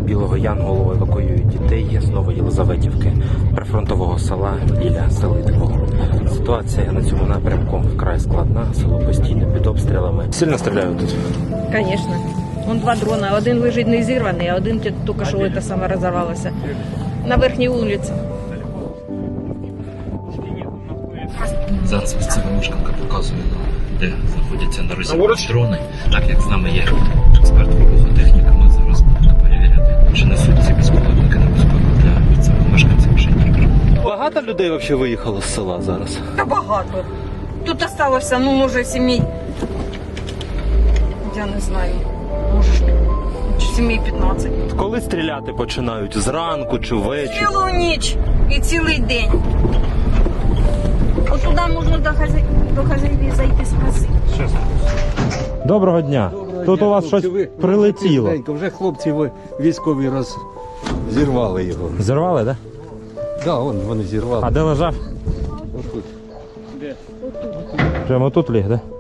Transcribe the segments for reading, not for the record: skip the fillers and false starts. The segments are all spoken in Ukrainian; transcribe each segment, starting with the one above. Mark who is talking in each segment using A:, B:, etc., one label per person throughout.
A: Білого Янголу евакуюють дітей з Новоєлизаветівки, прифронтового села біля Селидового. Ситуація на цьому напрямку вкрай складна, село постійно під обстрілами. Сильно стріляють тут?
B: Звісно. Вон два дрона. Один лежить не зірваний, а один тільки що це саме розірвалося. На верхній вулиці.
C: Зараз місцева мешканка показує, де знаходяться на розі дрони. Так як з нами є експерт вибухотехніка, ми зараз будемо перевіряти, чи несуть ці безпілотники небезпеку для місцевих мешканців Дніпра.
A: Багато людей взагалі виїхало з села зараз?
B: Та багато. Тут залишилося, може, сімей. Я не знаю. Може, сімей 15.
A: Коли стріляти починають? Зранку чи ввечері?
B: Цілу ніч і цілий день. От туди можна до хазяїв зайти спросити.
A: Доброго дня. Тут у вас щось прилетіло.
D: Вже хлопці військові зірвали його.
A: Зірвали, так?
D: Так, вони зірвали.
A: А де лежав?
D: Отут.
A: Прямо тут ліг, так?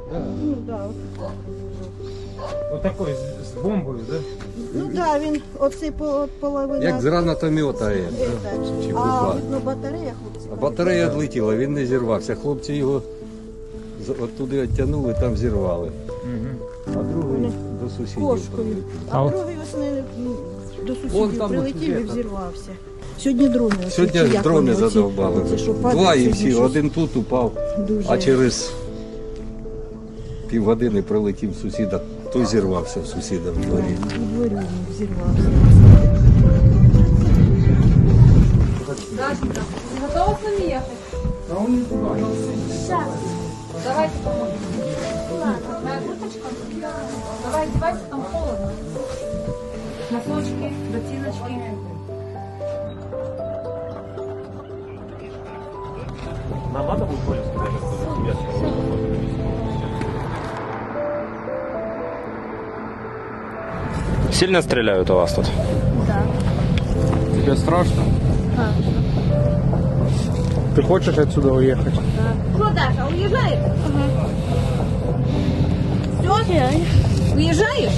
E: Отакой з бомбою, да?
F: Ну так, він оцей половина.
D: Як з гранатомета. Чи
F: А
D: бубла.
F: видно батарея, хлопці.
D: А батарея відлетіла, він не зірвався. Хлопці його оттуди відтягнули, там зірвали. А другий до сусідів.
F: Кошкою.
A: А
F: А
A: от-
F: другий ось до
D: Вон
F: сусідів
D: там
F: прилетів і
D: от
F: взірвався. Сьогодні дрони. ось
D: Сьогодні
F: ці, як
D: дрони
F: вони, оці-
D: задовбали.
F: оці, що падають,
D: Два і
F: сьогодні
D: всі,
F: щось
D: один тут упав,
F: дуже.
D: а через півгодини прилетів сусіда, той зірвався в сусіда в дворі.
F: У дворі він взірвався.
G: Готова с нами ехать? Давайте поможем. Моя курточка? Давай одевайся, там холодно. Носочки, ботиночки.
A: Нам треба буде поле сказати, Сильно стріляють у вас тут?
E: Тебе страшно? Ты хочешь отсюда уехать?
B: Що, Даша, уїжджаєш? Все? Уїжджаєш?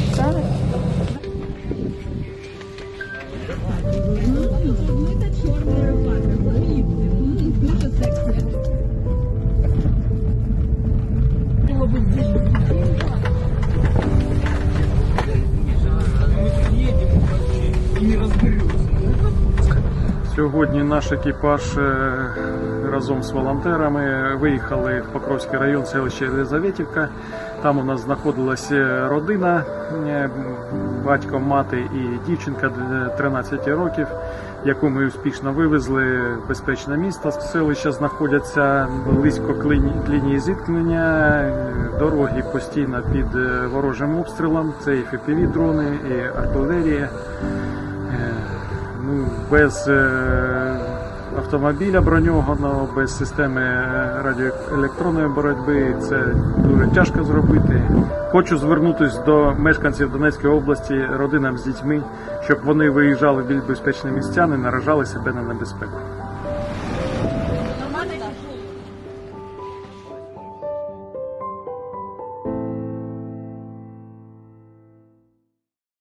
E: Сьогодні наш екіпаж разом з волонтерами виїхали в Покровський район, селище Єлизаветівка. Там у нас знаходилася родина, батько, мати і дівчинка 13 років, яку ми успішно вивезли в безпечне місто. Селища знаходяться близько лінії зіткнення, дороги постійно під ворожим обстрілом, це і FPV-дрони, і артилерія. Без автомобіля броньованого, без системи радіоелектронної боротьби це дуже тяжко зробити. Хочу звернутися до мешканців Донецької області, родинам з дітьми, щоб вони виїжджали в більш безпечні місця, не наражали себе на небезпеку.